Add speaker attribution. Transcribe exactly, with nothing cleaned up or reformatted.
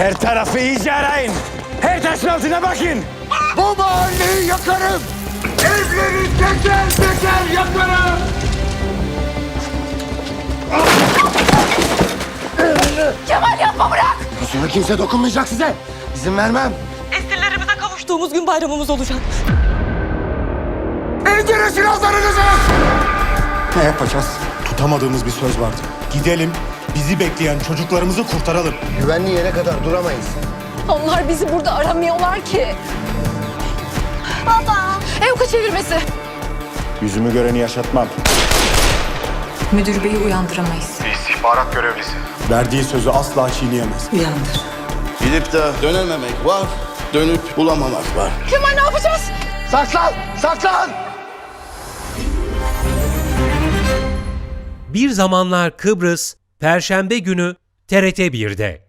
Speaker 1: Her tarafı iyice arayın. Her taşın altına bakın.
Speaker 2: Bu mahalleyi yakarım. Evleri teker teker yakarım.
Speaker 3: Kemal yapma, bırak!
Speaker 2: Sonra kimse dokunmayacak size. İzin vermem.
Speaker 3: Esirlerimize kavuştuğumuz gün bayramımız olacak.
Speaker 2: İndirin silahlarınızı.
Speaker 4: Ne yapacağız? Tutamadığımız bir söz vardı. Gidelim, bizi bekleyen çocuklarımızı kurtaralım.
Speaker 2: Güvenli yere kadar duramayız.
Speaker 3: Onlar bizi burada aramıyorlar ki. Baba! Evka çevirmesi.
Speaker 4: Yüzümü göreni yaşatmam.
Speaker 5: Müdür beyi uyandıramayız.
Speaker 4: İstihbarat görevlisi. Verdiği sözü asla çiğneyemez.
Speaker 5: Uyandır.
Speaker 6: Gidip de dönememek var, dönüp bulamamak var.
Speaker 3: Kemal, ne yapacağız?
Speaker 2: Saklan! Saklan!
Speaker 7: Bir Zamanlar Kıbrıs, Perşembe günü T R T bir'de.